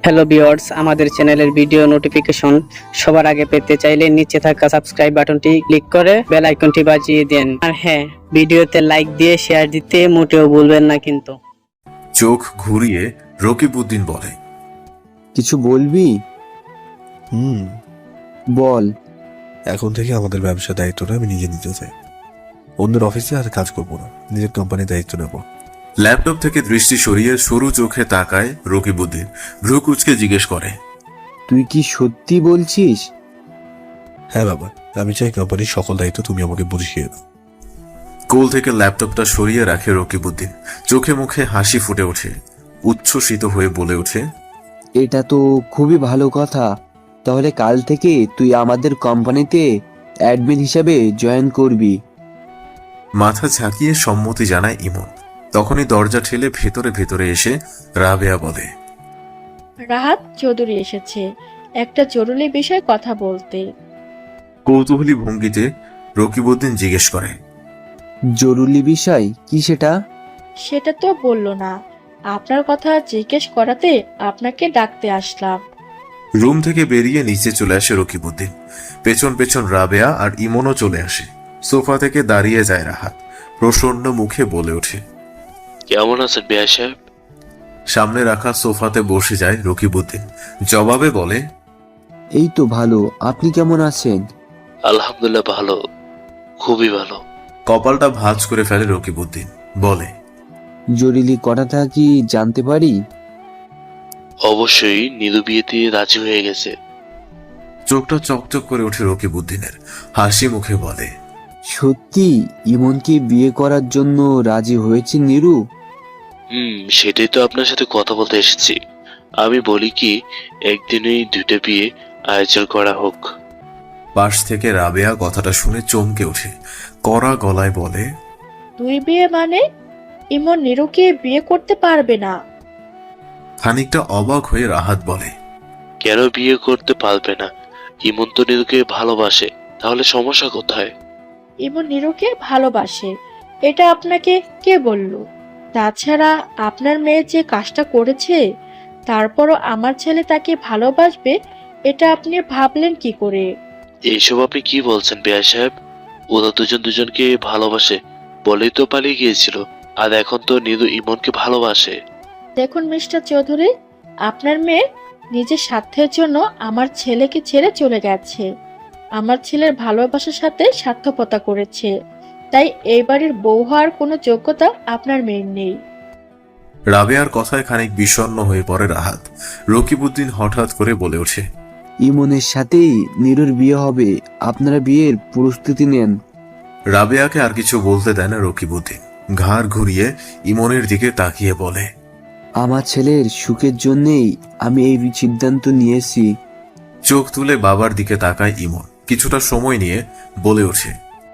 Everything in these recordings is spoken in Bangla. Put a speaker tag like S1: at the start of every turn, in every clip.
S1: হ্যালো ভিউয়ার্স, আমাদের চ্যানেলের ভিডিও নোটিফিকেশন সবার আগে পেতে চাইলে নিচে থাকা সাবস্ক্রাইব বাটনটি ক্লিক করে বেল আইকনটি বাজিয়ে দেন। আর হ্যাঁ, ভিডিওতে লাইক দিয়ে শেয়ার দিতে মোটেও ভুলবেন না কিন্তু।
S2: চোখ ঘুরিয়ে রকিবউদ্দিন বলে,
S3: কিছু বলবি? বল।
S4: এখন থেকে আমাদের ব্যবসার দায়িত্বটা আমি নিজে নিতে চাই। অন্যের অফিসে আর কাজ করবো না, নিজের কোম্পানির দায়িত্ব নেব।
S2: ল্যাপটপ থেকে দৃষ্টি সরিয়ে সরু চোখে তাকায় রকিবউদ্দিন। ভ্রু কুঁচকে জিজ্ঞেস করে,
S3: তুই কি সত্যি বলছিস?
S4: হ্যাঁ বাবা, আমি চাই কোম্পানির সকল দায়িত্ব তুমি আমাকে বুঝিয়ে দাও।
S2: কোল থেকে ল্যাপটপটা সরিয়ে রাখে রকিবউদ্দিন। চোখে মুখে হাসি ফুটে ওঠে। উচ্ছ্বসিত হয়ে বলে ওঠে,
S3: এটা তো খুবই ভালো কথা। তাহলে কাল থেকে তুই আমাদের কোম্পানিতে অ্যাডমিন হিসাবে জয়েন করবি।
S2: মাথা ঝাঁকিয়ে সম্মতি জানায় ইমন। তখনই দরজা ঠেলে ভেতরে ভেতরে এসে রাবেয়া বলে,
S5: রাহাত চৌধুরী এসেছে একটা জরুরি বিষয়ে কথা বলতে।
S2: কৌতূহলী ভঙ্গিতে রকিবউদ্দিন জিজ্ঞেস করে,
S3: জরুরি বিষয় কি সেটা?
S5: সেটা তো বললো না, আপনার কথা জিজ্ঞেস করাতে আপনাকে ডাকতে আসলাম।
S2: রুম থেকে বেরিয়ে নিচে চলে আসে রকিবউদ্দিন। পেছন পেছন রাবেয়া আর ইমনও চলে আসে। সোফা থেকে দাঁড়িয়ে যায় রাহাত। প্রসন্ন মুখে বলে ওঠে,
S6: কেমন আছেন বিআই সাহেব?
S2: সামনে রাখা সোফাতে বসে যায় রকিবউদ্দিন। জবাবে বলে,
S3: এই তো ভালো। আপনি কেমন আছেন?
S6: আলহামদুলিল্লাহ ভালো, খুবই ভালো।
S2: কপালটা ভাঁজ করে ফেলে রকিবউদ্দিন। বলে,
S3: জরুরি কথাটা কি জানতে পারি?
S6: অবশ্যই নীলু বিয়েতে রাজি হয়ে গেছে।
S2: চোখটা চকচক করে ওঠে রকিবউদ্দিনের। হাসি মুখে বলে,
S3: সত্যি ইমনকে বিয়ে করার জন্য রাজি হয়েছে নীরু?
S6: সেটাই তো আপনার সাথে কথা বলতে এসেছি। আমি বলি কি, একদিনেই দুইটা বিয়ে আয়োজন করা হোক।
S2: পাশ থেকে রাবেয়া কথাটা শুনে চমকে ওঠে। কড়া গলায় বলে,
S5: দুই বিয়ে মানে? ইমন নিরুকে বিয়ে করতে পারবে না।
S2: খানিকটা অবাক হয়ে রাহাত বলে,
S6: কেন বিয়ে করতে পারবে না? ইমন তো নীলুকে ভালোবাসে, তাহলে সমস্যা কোথায়?
S5: ইমন নিরুকে ভালোবাসে, এটা আপনাকে কে বলল? তাছাড়া আপনার মেয়ে যে কাজটা করেছে, তারপরও আমার ছেলে তাকে ভালোবাসবে, এটা আপনি ভাবলেন কি করে?
S6: এইসব আপনি কি বলছেন বিআই সাহেব? ওরা দুজন দুজনকে ভালোবাসে বলেই তো পালিয়ে গিয়েছিল, আর এখন তো নীলু ইমনকে ভালোবাসে।
S5: দেখুন মিস্টার চৌধুরী, আপনার মেয়ে নিজের স্বার্থের জন্য আমার ছেলেকে ছেড়ে চলে গেছে। আমার ছেলের ভালোবাসার সাথে স্বার্থপরতা করেছে, তাই এই বাড়ির বউ হওয়ার কোনো যোগ্যতা আপনার মেয়ের নেই।
S2: রাবেয়ার কথায় খানিক বিষণ্ণ হয়ে পড়ে রাহাত। রকিবউদ্দিন হঠাৎ করে বলে ওঠে,
S3: ইমনের সাথেই নীরুর বিয়ে হবে। আপনারা বিয়ের প্রস্তুতি নেন।
S2: রাবেয়াকে আর কিছু বলতে দেয় না রকিবউদ্দিন। ঘাড় ঘুরিয়ে ইমনের দিকে তাকিয়ে বলে,
S3: আমার ছেলের সুখের জন্যেই আমি এই সিদ্ধান্ত নিয়েছি।
S2: চোখ তুলে বাবার দিকে তাকায় ইমন। কিছুটা সময় নিয়ে বলে ওঠে,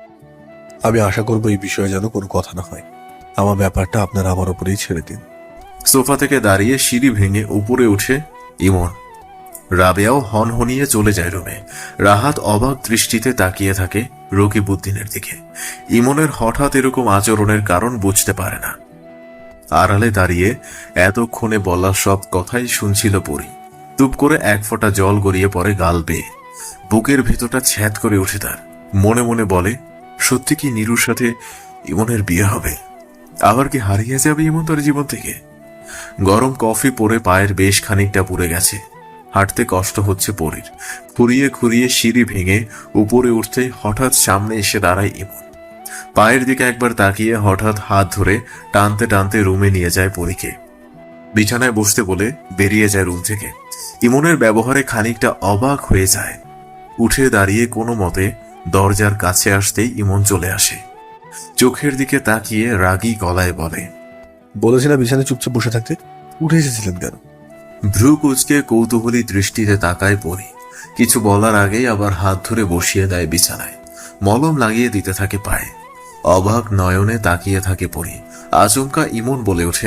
S4: আমি আশা করবো এই বিষয়ে যেন কোনো কথা না হয়। আমার ব্যাপারটা আপনারা আমার উপরেই ছেড়ে দিন।
S2: সোফা থেকে দাঁড়িয়ে সিঁড়ি ভেঙে উপরে উঠে ইমন। রাবেয়াও হনহনিয়ে চলে যায় রুমে। রাহাত অবাক দৃষ্টিতে তাকিয়ে থাকে রকিবউদ্দিনের দিকে। ইমনের হঠাৎ এরকম আচরণের কারণ বুঝতে পারে না। আড়ালে দাঁড়িয়ে এতক্ষণে বলা সব কথাই শুনছিল পরি। টুপ করে এক ফোঁটা জল গড়িয়ে পড়ে গাল বেয়ে। বুকের ভেতরটা ছ্যাদ করে ওঠে তার। মনে মনে বলে, সত্যি কি নীরুর সাথে ইমনের বিয়ে হবে? আবার কি হারিয়ে যাবে ইমন তার জীবন থেকে? গরম কফি পরে পায়ের বেশ খানিকটা পুড়ে গেছে। হাঁটতে কষ্ট হচ্ছে পরীর। খুঁড়িয়ে খুঁড়িয়ে সিঁড়ি ভেঙে উপরে উঠতেই হঠাৎ সামনে এসে দাঁড়ায় ইমন। পায়ের দিকে একবার তাকিয়ে হঠাৎ হাত ধরে টানতে টানতে রুমে নিয়ে যায় পরীকে। বিছানায় বসতে বলে বেরিয়ে যায় রুম থেকে। ইমনের ব্যবহারে খানিকটা অবাক হয়ে যায়। উঠে দাঁড়িয়ে কোনো মতে দরজার কাছে আসতেই ইমন চলে আসে। চোখের দিকে তাকিয়ে রাগী গলায় বলে,
S4: বলেছিলাম বিছানায় চুপচাপ বসে থাকতে, উঠে এসেছিলেন কেন?
S2: ভ্রু কুঁচকে কৌতূহলী দৃষ্টিতে তাকায় পরি। কিছু বলার আগেই আবার হাত ধরে বসিয়ে দেয় বিছানায়। মলম লাগিয়ে দিতে থাকে পায়ে। অবাক নয়নে তাকিয়ে থাকে পরি। আচমকা ইমন বলে ওঠে,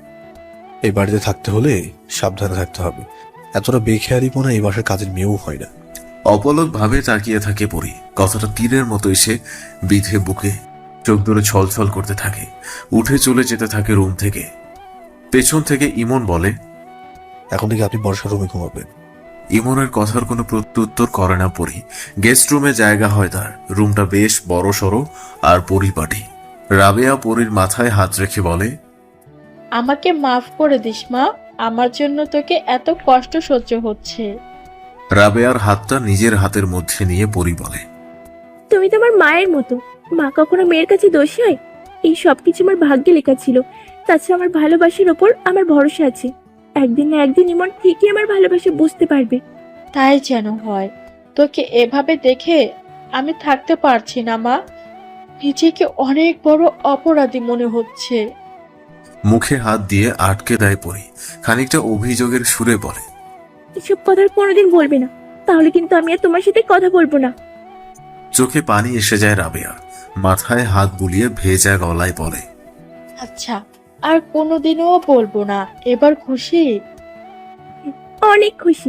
S4: এই বাড়িতে থাকতে হলে সাবধানে থাকতে হবে। এতটা বেখেয়ারিপনা এই বাসার কাজের মেয়েও হয় না।
S2: অপলক ভাবে তাকিয়ে থাকে পরি। কথাটা তীরের মতো এসে বিধে বুকে। চোখ ধরে ছলছল করতে থাকে। উঠে চলে যেতে থাকে রুম থেকে। পেছন থেকে ইমন বলে,
S4: এখন থেকে আপনি বর্ষার রুমে ঘুমাবেন।
S2: ইমনের কথার কোনো প্রত্যুত্তর করে না পরি। গেস্ট রুমে জায়গা হয় তার। রুমটা বেশ বড় সড়ো আর পরিপাটি। রাবেয়া পরির মাথায় হাত রেখে বলে,
S5: আমাকে মাফ করে দিস মা, আমার জন্য তোকে এত কষ্ট সহ্য হচ্ছে।
S2: রাবেয়ার হাতটা নিজের হাতের মধ্যে নিয়ে পরি বলে,
S7: তুমি তো আমার মায়ের মতো। মা কখনো মেয়ের কাছে দোষী হয়? এই সব কিছু আমার ভাগ্যে লেখা ছিল। তাছাড়া আমার ভালোবাসার ওপর আমার ভরসা আছে। একদিন না একদিন ইমন ঠিকই আমার ভালোবাসা বুঝতে পারবে।
S5: তাই যেন হয়। তোকে এভাবে দেখে আমি থাকতে পারছি না মা, নিজেকে অনেক বড় অপরাধী মনে হচ্ছে।
S2: মুখে হাত দিয়ে আটকে দেয় পরি। খানিকটা অভিযোগের সুরে বলে,
S7: এসব কথা আর কোনোদিন বলবে না, তাহলে কিন্তু আমি আর তোমার সাথে কথা বলবো না।
S2: চোখে পানি এসে যায় রাবেয়ার। মাথায় হাত বুলিয়ে ভেজা গলায় বলে,
S5: আচ্ছা, আর কোনোদিনও বলবো না। এবার খুশি?
S7: অনেক খুশি।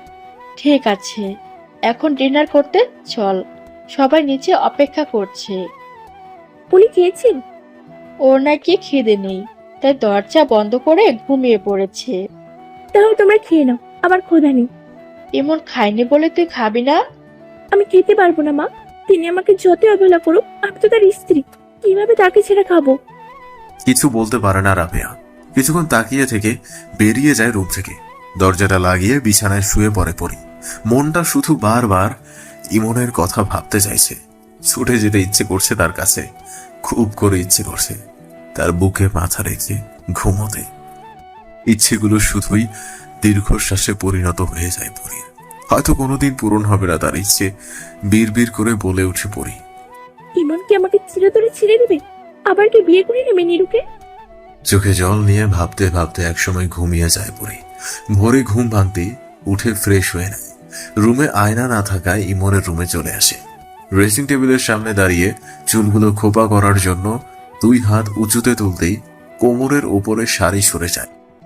S5: ঠিক আছে, এখন ডিনার করতে চল, সবাই নিচে অপেক্ষা করছে।
S7: পুলি খেয়েছেন?
S5: ওর নাকি খিদে নেই, তাই দরজা বন্ধ করে ঘুমিয়ে পড়েছে।
S7: তাহলে তোমরা খেয়ে নাও, আমার ক্ষুধা নেই।
S5: এমন খাইনি বলে তুই খাবি না?
S7: আমি খেতে পারবো না মা। তিনি আমাকে যতই অবহেলা করুক, আমি তো তার স্ত্রী। কিভাবে তাকে ছেড়ে খাবো?
S2: কিছু বলতে পারে না রাবেয়া। কিছুক্ষণ তাকিয়ে থেকে বেরিয়ে যায় রুম থেকে। দরজাটা লাগিয়ে বিছানায় শুয়ে পড়ে পরি। মনটা শুধু বারবার ইমনের কথা ভাবতে চাইছে। ছুটে যেতে ইচ্ছে করছে তার কাছে, খুব করে ইচ্ছে করছে তার বুকে মাথা রেখে ঘুমোতে। ইচ্ছেগুলো শুধুই দীর্ঘশ্বাসে পরিণত হয়ে যায় পরীর। হয়তো কোনোদিন পূরণ হবে না তার ইচ্ছে। বিড় করে বলে উঠে পড়ি,
S7: ইমন কি আমাকে চিরতরে ছেড়ে দেবে? আবার কি বিয়ে করে নেবে নিরুকে?
S2: চোখে জল নিয়ে ভাবতে ভাবতে একসময় ঘুমিয়ে যায় পরি। ভোরে ঘুম ভাঙতেই উঠে ফ্রেশ হয়ে নেয়। রুমে আয়না না থাকায় ইমনের রুমে চলে আসে। ড্রেসিং টেবিলের সামনে দাঁড়িয়ে চুলগুলো খোপা করার জন্য 2 হাত উঁচুতে তুলতেই কোমরের ওপরে শাড়ি সরে যায়।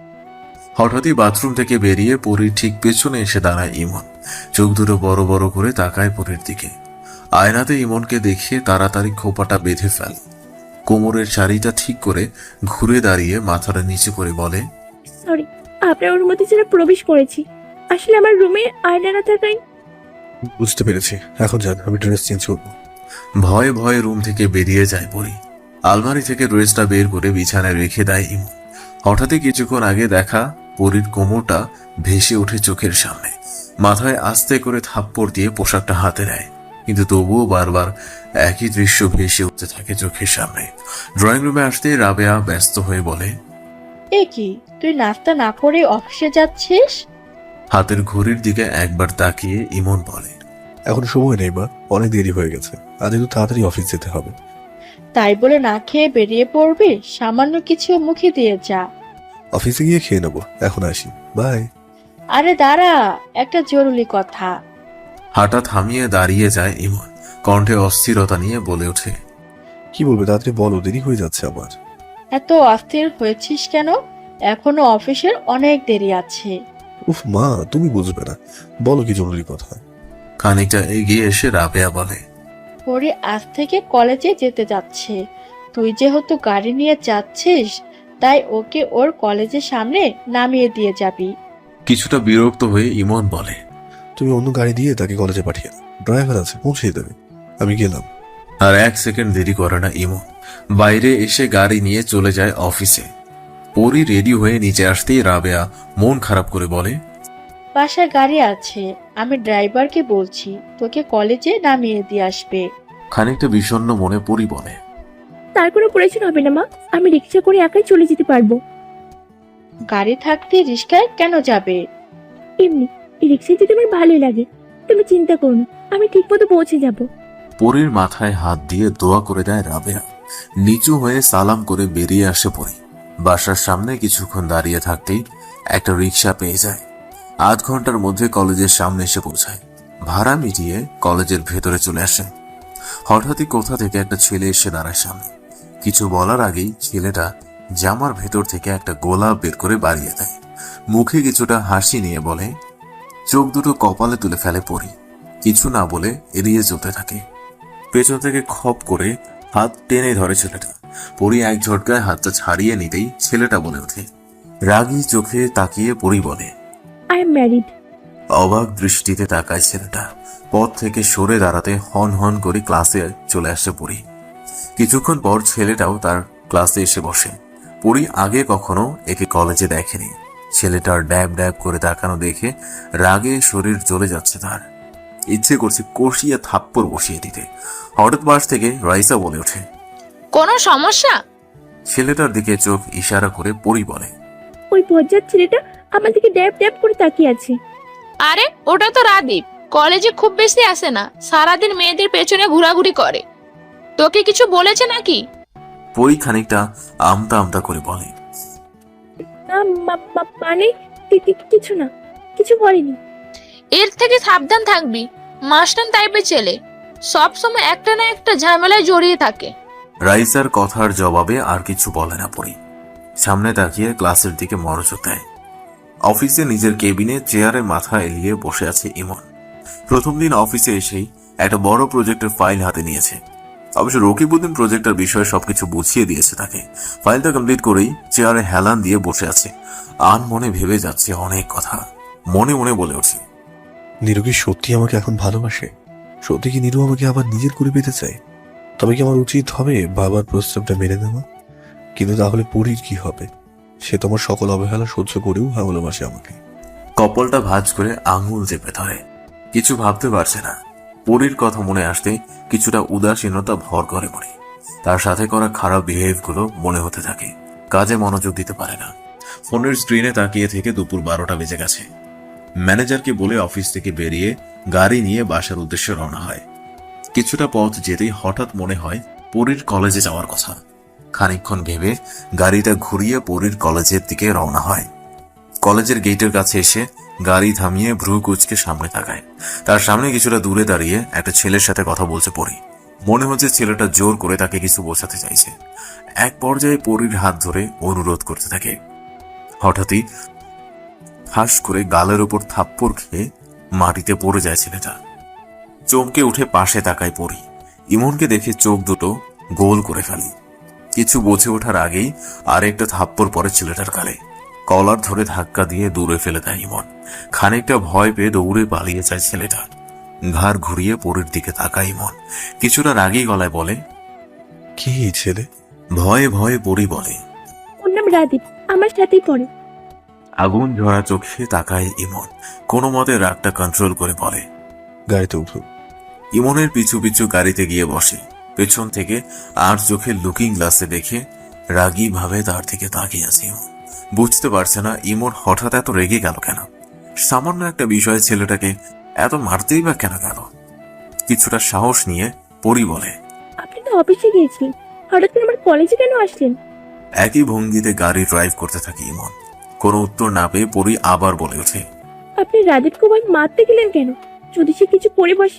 S2: হঠাৎই বাথরুম থেকে বেরিয়ে পরীর ঠিক পেছনে এসে দাঁড়ায় ইমন। চোখ দুটো বড় বড় করে তাকায় পরীর দিকে। আয়নাতে ইমনকে দেখে তাড়াতাড়ি খোপাটা বেঁধে ফেলে। কোমরের শাড়িটা ঠিক করে ঘুরে দাঁড়িয়ে মাথাটা নিচে করে বলে,
S7: সরি, আপনার অনুমতি ছাড়া প্রবেশ করেছি। আসলে আমার রুমে আয়না না থাকায়।
S4: বুঝতে পেরেছি, এখন যান, আমি ড্রেস চেঞ্জ করবো।
S2: ভয়ে ভয়ে রুম থেকে বেরিয়ে যায় পরি। আলমারি থেকে ড্রেসটা বের করে বিছানায় রেখে দেয় ইমন। হঠাৎই কিছুক্ষণ আগে দেখা পরীর কোমরটা ভেসে ওঠে চোখের সামনে। মাথায় আস্তে করে থাপ্পড় দিয়ে পোশাকটা হাতে নেয়, কিন্তু তবুও বারবার একই দৃশ্য ভেসে উঠতে থাকে চোখের সামনে। ড্রয়িং রুমে আসতে রাবেয়া ব্যস্ত হয়ে বলে,
S5: এ কি, তুই নাস্তা না করে অফিসে যাচ্ছিস?
S2: হাতের ঘড়ির দিকে একবার তাকিয়ে ইমন বলে,
S4: এখন সময় নেই মা, অনেক দেরি হয়ে গেছে। আজ একটু তাড়াতাড়ি অফিস যেতে হবে।
S5: তাই বলে না খেয়ে বেরিয়ে পড়বি? সামান্য কিছু মুখে দিয়ে যা।
S4: অফিসে গিয়ে খেয়ে নেবো, এখন আসি, বাই।
S5: আরে দাঁড়া, একটা জরুরি কথা।
S2: হাঁটা থামিয়ে দাঁড়িয়ে যায় ইমন। কণ্ঠে অস্থিরতা নিয়ে বলে ওঠে,
S4: কি বলবে তাড়াতাড়ি বলো, দেরি হয়ে যাচ্ছে আমার।
S5: এত অস্থির হয়েছিস কেন? এখনো অফিসের অনেক দেরি আছে।
S4: উফ মা, তুমি বুঝবে না, বলো কি জরুরি কথা।
S2: খানিকটা এগিয়ে এসে রাবেয়া বলে,
S5: পরে আজ থেকে কলেজে যেতে যাচ্ছে। তুই যেহেতু গাড়ি নিয়ে যাচ্ছিস, তাই ওকে ওর কলেজের সামনে নামিয়ে দিয়ে যাবি।
S2: কিছুটা বিরক্ত হয়ে ইমন বলে,
S4: তুমি অন্য গাড়ি দিয়ে তাকে কলেজে পাঠিয়ে দাও, ড্রাইভার আছে, পৌঁছে দেবে। আমি গেলাম।
S2: আর 1 সেকেন্ড দেরি করে না ইমন। বাইরে এসে গাড়ি নিয়ে চলে যায় অফিসে। পরি রেডি হয়ে নিচে আসতেই রাবেয়া মন খারাপ করে বলে,
S5: বাসায় গাড়ি আছে, আমি ড্রাইভারকে বলছি তোকে কলেজে নামিয়ে দিয়ে আসবে।
S2: খানিকটা বিষণ্ণ মনে পরি বলে,
S7: তার কোনো প্রয়োজন হবে না মা, আমি রিক্সা করে একাই চলে যেতে পারবো।
S5: গাড়ি থাকতে রিস্কায় কেন যাবে?
S7: এমনি রিক্সায় যেতে আমার ভালোই লাগে। তুমি চিন্তা করো না, আমি ঠিক মতো পৌঁছে যাব।
S2: পরির মাথায় হাত দিয়ে দোয়া করে দেয় রাবেয়া। নিচু হয়ে সালাম করে বেরিয়ে আসে পরি। বাসার সামনে কিছুক্ষণ দাঁড়িয়ে থাকতেই একটা রিক্সা পেয়ে যায়। 8 ঘন্টার মধ্যে কলেজের সামনে এসে পৌঁছায়। ভাড়া মিটিয়ে কলেজের ভেতরে চলে আসে। হঠাৎই কোথা থেকে একটা ছেলে এসে দাঁড়ায় সামনে। কিছু বলার আগেই ছেলেটা জামার ভেতর থেকে একটা গোলাপ বের করে বাড়িয়ে দেয়। মুখে কিছুটা হাসি নিয়ে বলে, চোখ দুটো কপালে তুলে ফেলে পরি। কিছু না বলে এড়িয়ে চলতে থাকে। পেছন থেকে খপ করে হাত টেনে ধরে ছেলেটা। পরি এক ঝটকায় হাতটা ছাড়িয়ে নিতেই ছেলেটা বলে ওঠে। রাগী চোখে তাকিয়ে পরি বলে,
S7: আই এম ম্যারিড।
S2: অবাক দৃষ্টিতে তাকায় ছেলেটা। পথ থেকে সরে দাঁড়াতে হন হন করে ক্লাসে চলে আসে পরি। কিছুক্ষণ পর ছেলেটাও তার ক্লাসে এসে বসে। পরি আগে কখনো একে কলেজে দেখেনি। ছেলেটার ড্যাব ড্যাব করে তাকানো দেখে রাগে শরীর জ্বলে যাচ্ছে তার। ইচ্ছে করছে কষিয়ে থাপ্পড় বসিয়ে দিতে। হঠাৎ পাশ থেকে রাইসা বলে ওঠে,
S8: কোনো সমস্যা?
S2: ছেলেটার দিকে চোখ ইশারা করে পরি বলে,
S7: ওই বজ্জাত ছেলেটা আমার দিকে ড্যাব ড্যাব করে তাকিয়ে আছে।
S8: আরে ওটা তো রাদীপ, কলেজে খুব বেশি আসে না, সারাদিন মেয়েদের পেছনে ঘোরাঘুরি করে। তোকে কিছু বলেছে নাকি?
S2: পরি খানিকটা আমতা আমতা করে বলে,
S7: না মানে কিছু না, কিছু বলেনি।
S8: এর থেকে সাবধান থাকবি, মাস্টার টাইপের ছেলে, সব সময় একটা না একটা ঝামেলায় জড়িয়ে থাকে।
S2: রাইসার কথার জবাবে আর কিছু বলে না পরি। সামনে তাকিয়ে ক্লাসের দিকে মনোযোগ দেয়। অফিসে নিজের কেবিনে চেয়ারে মাথা এলিয়ে বসে আছে ইমন। প্রথম দিন অফিসে এসেই একটা বড় প্রজেক্টের ফাইল হাতে নিয়েছে। অবশ্য রকিবউদ্দিন প্রজেক্টের বিষয়ে সবকিছু বুঝিয়ে দিয়েছে তাকে। ফাইলটা কমপ্লিট করেই চেয়ারে হেলান দিয়ে বসে আছে। আন মনে ভেবে যাচ্ছে অনেক কথা। মনে মনে বলে ওঠে,
S4: নীরু কি সত্যি আমাকে এখন ভালোবাসে? সত্যি কি নীরু আমাকে আবার নিজের করে পেতে চায়? তবে কি আমার উচিত হবে বাবার প্রস্তাবটা মেনে নেওয়া? কিন্তু তাহলে পরীর কি হবে? সে তোমার সকল অবহেলা সহ্য করেও ভালোবাসে আমাকে।
S2: কপালটা ভাঁজ করে আঙুল চেপে ধরে। কিছু ভাবতে পারছে না। পরীর কথা মনে আসতে কিছুটা উদাসীনতা ভর করে মনে। তার সাথে করা খারাপ বিহেভগুলো মনে হতে থাকে। কাজে মনোযোগ দিতে পারে না। ফোনের স্ক্রিনে তাকিয়ে থেকে দুপুর 12টা বেজে গেছে। ম্যানেজারকে বলে অফিস থেকে বেরিয়ে গাড়ি নিয়ে বাসার উদ্দেশ্যে রওনা হয়। কিছুটা পথ যেতেই হঠাৎ মনে হয় পরীর কলেজে যাওয়ার কথা। খানিকক্ষণ ভেবে গাড়িটা ঘুরিয়ে পরীর কলেজের দিকে রওনা হয়। কলেজের গেটের কাছে এসে গাড়ি থামিয়ে ভ্রু কুঁচকে সামনে তাকায়। তার সামনে কিছুটা দূরে দাঁড়িয়ে একটা ছেলের সাথে কথা বলছে পরি। মনে হচ্ছে ছেলেটা জোর করে তাকে কিছু বোঝাতে চাইছে। এক পর্যায়ে পরীর হাত ধরে অনুরোধ করতে থাকে। হঠাৎই হাস করে গালের উপর থাপ্পড় খেয়ে মাটিতে পড়ে যায় ছেলেটা। চমকে উঠে পাশে তাকায় পরি। ইমনকে দেখে চোখ দুটো গোল করে ফেলে। কিছু বুঝে ওঠার আগেই আরেকটা থাপ্পড় পড়ে ছেলেটার গালে। কলার ধরে ধাক্কা দিয়ে দূরে ফেলে দেয় ইমন। খানিকটা ভয় পেয়ে দৌড়ে পালিয়ে যায় ছেলেটা। ঘাড় ঘুরিয়ে পরীর দিকে তাকায় ইমন। কিছুটা রাগী গলায় বলে,
S4: কি এই ছেলে?
S2: ভয়ে ভয়ে পরি বলে,
S7: ওর নাম রাদীপ, আমার সাথেই পড়ে।
S2: আগুন ঝরা চোখে তাকায় ইমন। কোনো মতে রাগটা কন্ট্রোল করে বলে,
S4: গাড়িতে উঠো।
S2: ইমনের পিছু পিছু গাড়িতে গিয়ে বসে। পেছন থেকে আর চোখে লুকিং গ্লাসে দেখে রাগী ভাবে তার দিকে তাকিয়ে আছে ইমন। বুঝতে পারছে না ইমন হঠাৎ এত রেগে গেল কেন। সামান্য একটা বিষয়ে ছেলেটাকে এত মারতেই বা কেন গেল। কিছুটা সাহস নিয়ে পরি বলে,
S7: আপনি তো অফিসে গিয়েছিলেন, হঠাৎ করে আমার কলেজে কেন আসলেন?
S2: একই ভঙ্গিতে গাড়ি ড্রাইভ করতে থাকে ইমন। কোনো উত্তর না পেয়ে পরি আবার বলে ওঠে,
S7: আপনি রাদীপকে ভাই মারতে গেলেন কেন? যদি সে কিছু করে বসে?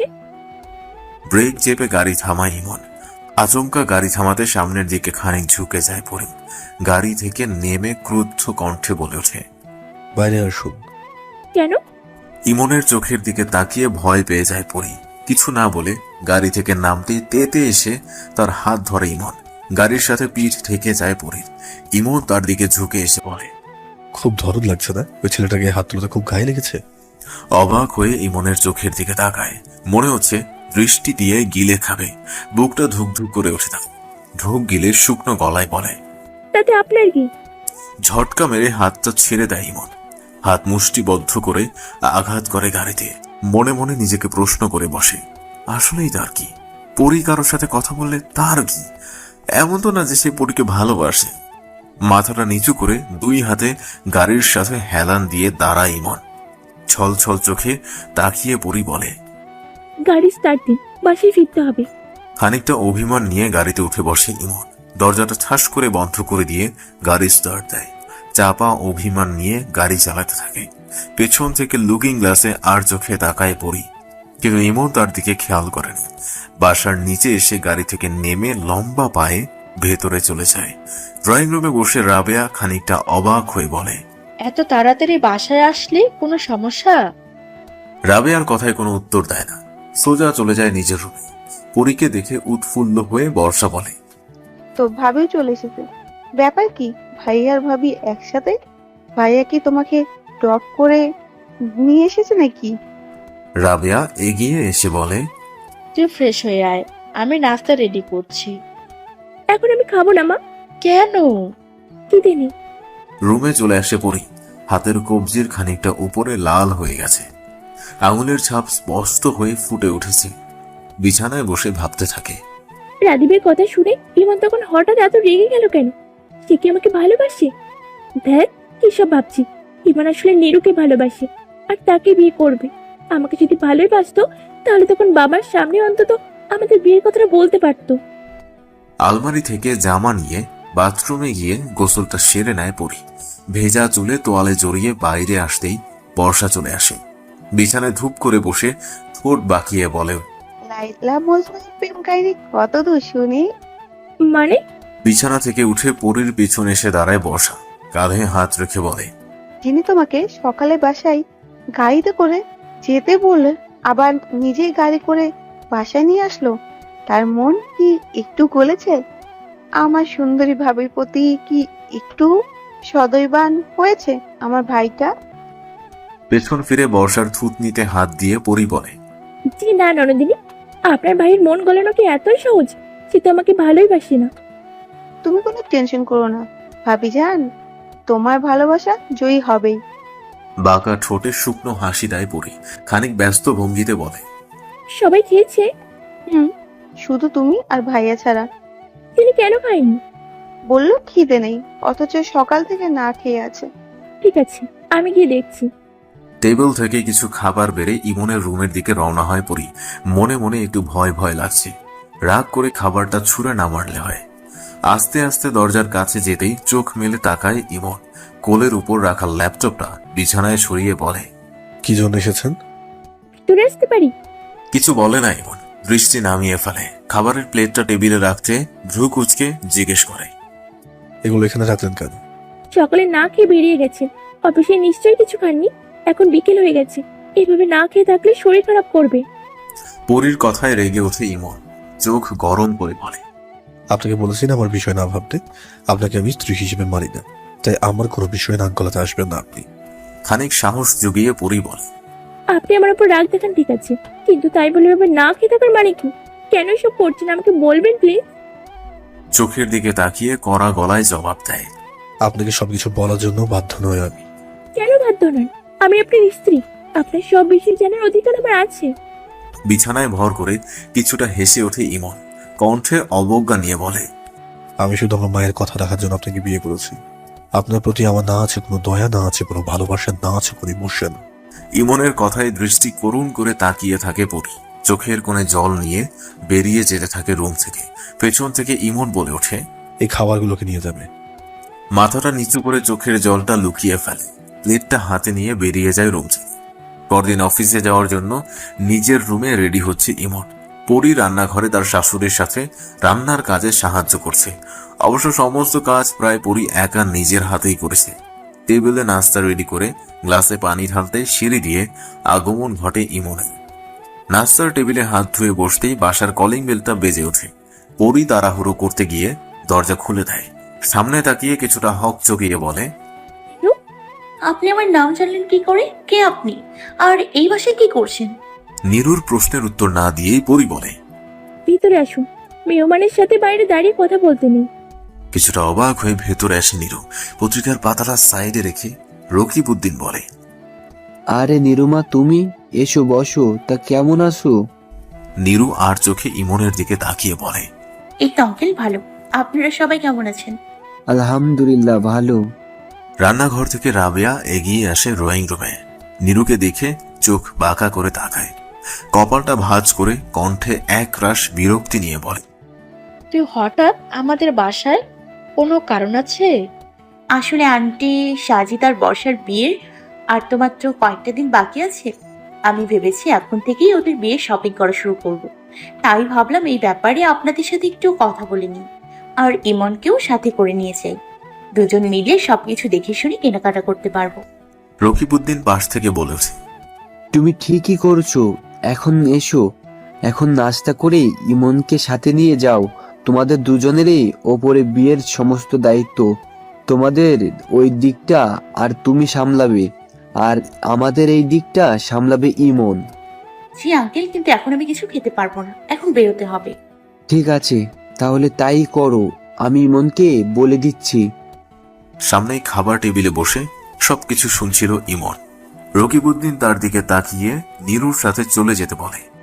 S2: ব্রেক চেপে গাড়ি থামায় ইমন। আচমকা গাড়ি থামাতে সামনের দিকে খানিক ঝুঁকে যায় পরি। গাড়ি থেকে নেমে ক্রুদ্ধ কণ্ঠে বলে ওঠে,
S4: বাইরে আসুন।
S7: কেন?
S2: ইমনের চোখের দিকে তাকিয়ে ভয় পেয়ে যায় পরি। কিছু না বলে গাড়ি থেকে নামতে তেতে এসে তার হাত ধরে ইমন। গাড়ির সাথে পিঠ ঠেকে যায় পরির। ইমন তার দিকে ঝুঁকে এসে বলে,
S4: খুব দরদ লাগছে না? ওই ছেলেটাকে হাত তুলতে খুব গায়ে লেগেছে?
S2: অবাক হয়ে ইমনের চোখের দিকে তাকায়। মনে হচ্ছে দৃষ্টি দিয়ে গিলে খাবে। বুকটা ধুকধুক করে ওঠে তার। ঢোক গিলে শুকনো গলায় বলে,
S7: তাতে আপনার কি?
S2: ঝটকা মেরে হাতটা ছেড়ে দেয় ইমন। হাত মুষ্টিবদ্ধ করে আঘাত করে গাড়িতে। মনে মনে নিজেকে প্রশ্ন করে বসে, আসলেই তার কি? পরি কারোর সাথে কথা বললে তার কি? এমন তো না যে সে পরীকে ভালোবাসে। মাথাটা নিচু করে দুই হাতে গাড়ির সাথে হেলান দিয়ে দাঁড়ায় ইমন। ছল ছল চোখে তাকিয়ে পরি বলে,
S7: গাড়ি স্টার্ট দিন, বাসায় ফিরতে হবে।
S2: খানিকটা অভিমান নিয়ে গাড়িতে উঠে বসে ইমন। দরজাটা ঠাস করে বন্ধ করে দিয়ে গাড়ি স্টার্ট দেয়। চাপা অভিমান নিয়ে গাড়ি চালাতে থাকে। পেছন থেকে লুকিং গ্লাসে আর চোখে তাকায় পড়ি, কিন্তু ইমন তার দিকে খেয়াল করে না। বাসার নিচে এসে গাড়ি থেকে নেমে লম্বা পায়ে ভেতরে চলে যায়। ড্রয়িং রুমে বসে রাবেয়া খানিকটা অবাক হয়ে বলে,
S5: এত তাড়াতাড়ি বাসায় আসলি, কোনো সমস্যা?
S2: রাবেয়ার কথায় কোনো উত্তর দেয় না। সোজা চলে যায় নিজের রুমে। পরীকে দেখে উৎফুল্ল হয়ে বর্ষা বলে,
S9: তো ভাবিও চলে এসেছে। ব্যাপার কি? ভাইয়া আর ভাবি একসাথে? ভাইয়া কি তোমাকে ড্রপ করে নিয়ে এসেছে নাকি?
S2: রাবেয়া এগিয়ে এসে বলে,
S5: তুই ফ্রেশ হয়ে আয়, আমি নাস্তা রেডি করছি।
S7: এখন আমি খাবো না মা,
S5: কেন?
S7: খিদে নেই।
S2: রুমে চলে আসে পরি। হাতের কবজির খানিকটা উপরে লাল হয়ে গেছে, আঙুলের ছাপ স্পষ্ট হয়ে ফুটে উঠেছে। বিছানায় বসে ভাবতে থাকে।
S7: রাদীপের কথা শুনে ইমন তখন হঠাৎ এত রেগে গেল কেন? সে কি আমাকে ভালোবাসে? দেখ কি সব ভাবছি। ইমন আসলে নীরুকে ভালোবাসে আর তাকে বিয়ে করবে। আমাকে যদি ভালোই বাসতো তাহলে তখন বাবার সামনে অন্তত আমাদের বিয়ের কথাটা বলতে পারতো।
S2: আলমারি থেকে জামা নিয়ে বাথরুমে গিয়ে গোসলটা সেরে নেয় পরি। ভেজা চুলে তোয়ালে জড়িয়ে বাইরে আসতেই বর্ষা চলে আসে। বিছানায় ধূপ করে বসে ঠোঁট বাঁকিয়ে বলে,
S9: লাইলা মজনুর প্রেম কাহিনী কত দূর শুনি?
S7: মানে?
S2: বিছানা থেকে উঠে পরির পিছনে এসে দাঁড়ায় বর্ষা। কাঁধে হাত রেখে বলে,
S9: যিনি তোমাকে সকালে বাসায় গাড়িতে করে যেতে বললে আবার নিজেই গাড়ি করে বাসায় নিয়ে আসলো, তার মন কি একটু গলেছে? আমার সুন্দরী ভাবির প্রতি কি একটু সদয়বান হয়েছে আমার ভাইটা?
S2: পেছন ফিরে বর্ষার থুতনিতে হাত দিয়ে পরি বলে,
S7: জি না ননদিনী, আপনার ভাইয়ের মন গলানো কি এতই সহজ? সে তো আমাকে ভালোই বাসে না।
S9: তুমি কোনো টেনশন করো না ভাবি যান, তোমার ভালোবাসা জয়ী হবেই।
S2: বাঁকা ঠোঁটে শুকনো হাসি দেয় পরি। খানিক ব্যস্ত ভঙ্গিতে বলে,
S7: সবাই খেয়েছে?
S9: শুধু তুমি আর ভাইয়া ছাড়া।
S7: তিনি কেন খায়নি?
S9: বললো খিদে নেই, অথচ সকাল থেকে না খেয়ে আছে।
S7: ঠিক আছে, আমি গিয়ে দেখছি।
S2: টেবিল থেকে কিছু খাবার বেড়ে ইমনের রুমের দিকে রওনা হয় পরি। মনে মনে একটু ভয় ভয় লাগছে। রাগ করে খাবারটা ছুঁড়ে না মারলে হয়। আস্তে আস্তে দরজার কাছে যেতেই চোখ মেলে তাকায় ইমন। কোলের উপর রাখা ল্যাপটপটা বিছানায় সরিয়ে বলে,
S4: কি জন্য এসেছেন?
S7: ভিতরে আসতে পারি?
S2: কিছু বলে না ইমন। দৃষ্টি নামিয়ে ফেলে। খাবারের প্লেটটা টেবিলে রাখতে ভ্রু কুঁচকে জিজ্ঞেস করে,
S4: এগুলো এখানে রাখলেন কেন?
S7: সকালে না খেয়ে বেরিয়ে গেছেন, অফিসে নিশ্চয়ই কিছু খাননি। এখন বিকেল হয়ে গেছে, এইভাবে না খেয়ে থাকলে শরীর খারাপ করবে।
S2: পরির কথায় রেগে ওঠে ইমন। চোখ গরম করে বলে,
S4: আপনাকে বলেছি না আমার বিষয় না ভাবতে। আপনাকে আমি স্ত্রী হিসেবে মানি না, তাই আমার কোনো বিষয়ে নাক গলাতে আসবেন না আপনি।
S2: খানিক সাহস জুগিয়ে পরি বলে,
S7: আপনি আমার উপর রাগ দেখান ঠিক আছে, কিন্তু তাই বলে এভাবে না খেয়ে থাকার মানে কি? কেন এসব করছেন আমাকে বলবেন প্লিজ?
S2: চোখের দিকে তাকিয়ে কড়া গলায় জবাব দেয়,
S4: আপনাকে সবকিছু বলার জন্য বাধ্য নয় আমি।
S7: কেন বাধ্য নন? আমি আপনার স্ত্রী, আপনার সব বিষয় জানার অধিকার আমার আছে।
S2: বিছানায় ভর করে কিছুটা হেসে ওঠে ইমন। কণ্ঠে অবজ্ঞা নিয়ে বলে,
S4: আমি শুধু আমার মায়ের কথা রাখার জন্য আপনাকে বিয়ে করেছি। আপনার প্রতি আমার না আছে কোনো দয়া, না আছে কোনো ভালোবাসা, না আছে কোনো ইমোশন।
S2: ইমনের কথায় দৃষ্টি করুণ করে তাকিয়ে থাকে পরি। চোখের কোণে জল নিয়ে বেরিয়ে যেতে থাকে রুম থেকে। পেছন থেকে ইমন বলে ওঠে,
S4: এই খাবারগুলোকে নিয়ে যাবে।
S2: মাথাটা নিচু করে চোখের জলটা লুকিয়ে ফেলে। প্লেটটা হাতে নিয়ে বেরিয়ে যায় রুম থেকে। পরদিন অফিসে যাওয়ার জন্য নিজের রুমে রেডি হচ্ছে ইমন। পরি রান্নাঘরে তার শাশুড়ির সাথে রান্নার কাজে সাহায্য করছে। অবশ্য সমস্ত কাজ প্রায় পরি একা নিজের হাতেই করেছে। টেবিলে নাস্তা রেডি করে গ্লাসে পানি ঢালতে সিঁড়ি দিয়ে আগমন ঘটে ইমনের। নাস্তার টেবিলে হাত ধুয়ে বসতেই বাসার কলিং বেলটা বেজে ওঠে। পরি তাড়াহুড়ো করতে গিয়ে দরজা খুলে দেয়। সামনে তাকিয়ে কিছুটা হক চকিয়ে বলে,
S10: আপনি আমার নাম জানলেন কি করে? কে আপনি? আর এই বাসায় কি করছেন?
S2: নীরুর প্রশ্নের উত্তর না দিয়েই পরি বলে,
S7: ভিতরে আসুন, মেহমানের সাথে বাইরে দাঁড়িয়ে কথা বলতে নেই।
S2: কিছুটা অবাক হয়ে ভেতরে আসে নীরু। পত্রিকার পাতাটা সাইডে রেখে রকিবউদ্দিন বলে,
S3: আরে নিরুমা, তুমি এসো বসো। তা কেমন আছো?
S2: নীরু আর চোখে ইমনের দিকে তাকিয়ে বলে,
S10: এই তো আঙ্কেল ভালো। আপনারা সবাই কেমন আছেন?
S3: আলহামদুলিল্লাহ ভালো।
S2: রান্নাঘর থেকে রাবেয়া এগিয়ে আসে ড্রয়িং রুমে। নীরুকে দেখে চোখ বাঁকা করে তাকায়। কপালটা ভাঁজ করে কণ্ঠে এক রাশ বিরক্তি নিয়ে বলে,
S5: তুই হঠাৎ আমাদের বাসায়, কোনো কারণ আছে?
S10: আসলে আন্টি সাজিদ আর বর্ষার বিয়ের আর তো মাত্র কয়েকটা দিন বাকি আছে। আমি ভেবেছি এখন থেকেই ওদের বিয়ে শপিং করা শুরু করব। তাই ভাবলাম এই ব্যাপারে আপনাদের সাথে একটু কথা বলে নিই, আর ইমনকেও সাথে করে নিয়ে যাই। দুজন মিলে সবকিছু দেখে শুনে কেনাকাটা করতে পারবো।
S2: রকিবউদ্দিন পাশ থেকে বলেছে,
S3: তুমি ঠিকই করছো। এখন এসো, এখন নাস্তা করে ইমনকে সাথে নিয়ে যাও। তোমাদের দুজনেরই ওপরে বিয়ের সমস্ত দায়িত্ব তোমাদের ওই দিকটা আর তুমি সামলাবে। আর আমাদের এই দিকটা সামলাবে ইমন।
S10: জি আঙ্কেল, কিন্তু এখন আমি কিছু খেতে পারবো না, এখন বেরোতে হবে।
S3: ঠিক আছে, তাহলে তাই করো, আমি ইমনকে বলে দিচ্ছি।
S2: সামনেই খাবার টেবিলে বসে সবকিছু শুনছিল ইমন। রকিবউদ্দিন তার দিকে তাকিয়ে নীরুর সাথে চলে যেতে বলে।